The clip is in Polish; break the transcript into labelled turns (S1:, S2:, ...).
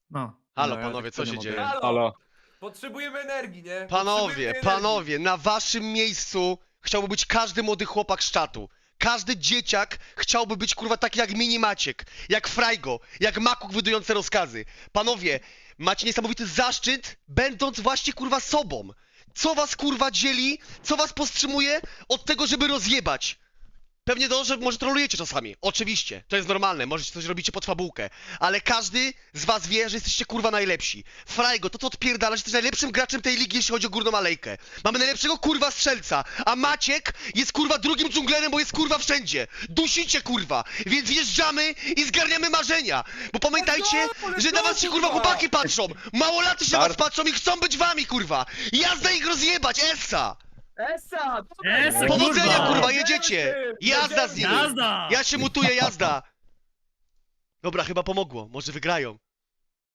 S1: No.
S2: Halo,
S3: ja
S2: panowie,
S3: tak
S2: co
S3: nie
S2: się
S3: mogę.
S2: dzieje?
S4: Halo! Potrzebujemy energii, nie?
S2: Panowie, na waszym miejscu chciałby być każdy młody chłopak z czatu. Każdy dzieciak chciałby być, kurwa, taki jak Mini Maciek, jak Frajgo, jak Makuk wydujące rozkazy. Panowie, macie niesamowity zaszczyt, będąc właśnie, kurwa, sobą. Co was, kurwa, dzieli, co was powstrzymuje od tego, żeby rozjebać? Pewnie to, że może trolujecie czasami. Oczywiście, to jest normalne, możecie coś robicie pod fabułkę. Ale każdy z was wie, że jesteście kurwa najlepsi. Frajgo, to co odpierdala, że jesteś najlepszym graczem tej ligi, jeśli chodzi o górną alejkę. Mamy najlepszego kurwa strzelca, a Maciek jest kurwa drugim dżunglerem, bo jest kurwa wszędzie. Dusicie kurwa, więc wjeżdżamy i zgarniamy marzenia. Bo pamiętajcie, że na was się kurwa chłopaki patrzą. Małolaty się na was patrzą i chcą być wami kurwa. Jazda ich rozjebać, essa!
S4: Esa!
S1: Esa,
S2: Powodzenia
S1: kurwa!
S2: kurwa, jedziecie! Jazda z nimi!
S1: Jazda!
S2: Ja się mutuję, jazda! Dobra, chyba pomogło. Może wygrają.